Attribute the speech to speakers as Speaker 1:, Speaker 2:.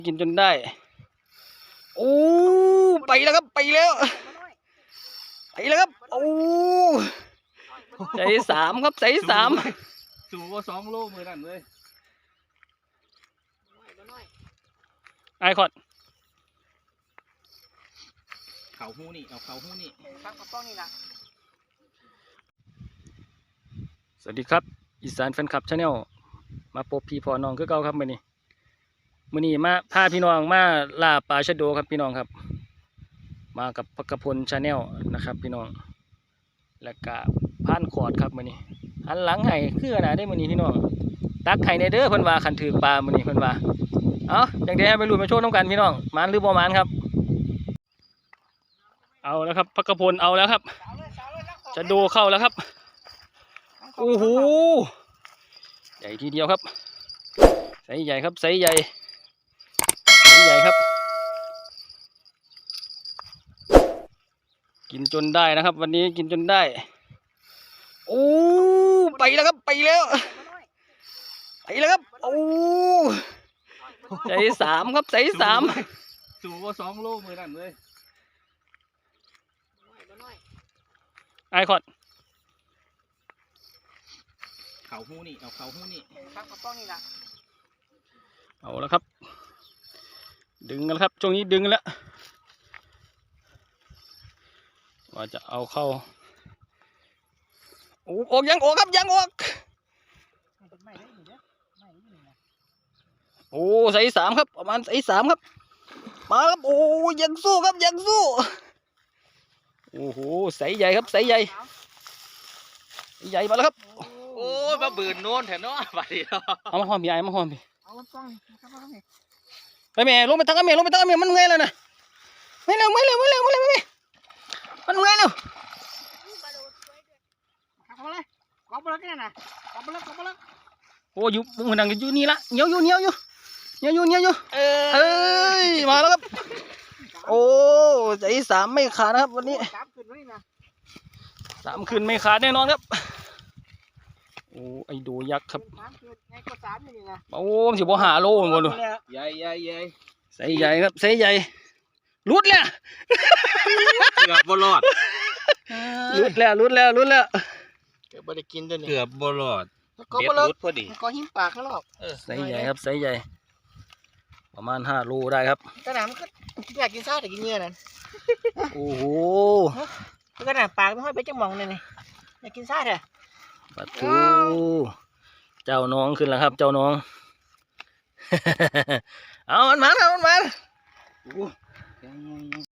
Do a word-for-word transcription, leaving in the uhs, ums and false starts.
Speaker 1: กินจนได้โอ้ไปแล้วครับไปแล้วไปแล้วครับโอ้ใจสามครับใจสาม
Speaker 2: สูงกว่าสองโลมือนั่นเลย
Speaker 1: ไอคอด
Speaker 2: เขาหูนี่เอาเขาหูนี่ตั้งกระป๋องนี่นะ
Speaker 1: สวัสดีครับอีสานแฟนคลับชาแนลมาพบพี่พอน้องคือเก่าครับมื้อนี้มื้อนี้มาพาพี่น้องมาล่าปลาชะโดครับพี่น้องครับมากับพักพลชาแนลนะครับพี่น้องและก็ผ่านขอดครับมื้อนี้หันหลังให้คือขนาดได้มื้อนี้พี่น้องตักไข่ในเด้อเพิ่นว่าคันถือปลามื้อนี้เพิ่นว่าเอ้าจังได๋ไปลุ้นมาโชว์น้ำกันพี่น้องหมานหรือบ่หมานครับเอาแล้วครับพักพลเอาแล้วครับชะโดเข้าแล้วครับโอ้โหใหญ่ทีเดียวครับไซส์ใหญ่ครับไซส์ใหญ่ไซส์ใหญ่ครับกินจนได้นะครับวันนี้กินจนได้โอ้ไปแล้วครับไปแล้วไปแล้วครับโอ้ใจสามครับใจสาม
Speaker 2: สูงกว่าสองโลมือนั่นเลย
Speaker 1: ไอคอด
Speaker 2: เขาหูนี่เอาเขาหูนี่ตั้งกระป๋องนี่นะ
Speaker 1: เอาแล้วครับดึงกันครับช่วงนี้ดึงกันแล้วว่าจะเอาเข้าโอ้ออกยังออกครับยังออกโอ้ใส่สามครับประมาณใส่สามครับมาครับโอ้ยังสู้ครับยังสู้โอ้โหใส่ใหญ่ครับใส่ใหญ่ใหญ่มาแล้วครับ
Speaker 2: โอ้ยมาบืนโน่นแถวโน้นไปดิ
Speaker 1: เอามาหอมพี่ไอ้มาหอมพี่ไปแม่ลงไปตั้งกันแม่ลงไปตั้งกันแม่มันเงยแล้วนะไม่เร็วไม่เร็วไม่เร็วไม่เร็วไม่มันเงยเร็ว
Speaker 3: เอาเลยกอบเลยกันนะกอบเลยกอบเลย
Speaker 1: โอ้อยู่มึงนั่งอยู่นี่ละเหนียวอยู่เหนียวอยู่เหนียวอยู่เหนียวอยู่เอ้ยมาแล้วครับโอ้ใจสามไม่ขาดนะครับวันนี้สามคืนไม่ขาดแน่นอนครับโอ้ไอโดยักษ์ครับโอ้สิบหาโลหมดเลย
Speaker 2: ใหญ่ใหญ่ใหญ่
Speaker 1: ใส่ใหญ่ครับใส่ใหญ่รุดแล้ว
Speaker 2: เกือบบอลอด
Speaker 1: รุดแล้วรุดแล้วรุดแล้ว
Speaker 3: เกือบได้กินด้วยนี่
Speaker 2: เกือบบอลอด
Speaker 3: ก็บอลอดพอดีก็หิ้มปากเขาหรอก
Speaker 1: ใส่ใหญ่ครับใส่ใหญ่ประมาณห้าโลได้ครับ
Speaker 3: กระหน่ำมันก็อยากกินซ่าแต่กินเนื้อนั่น
Speaker 1: โอ้โห
Speaker 3: กระหน่ำปากไม่ค่อยไปจังมองเลยนี่อยากกินซ่าเถอะ
Speaker 1: ปะทูเจ้าน้องขึ้นแล้วครับเจ้าน้องเอามันมาครับมันมา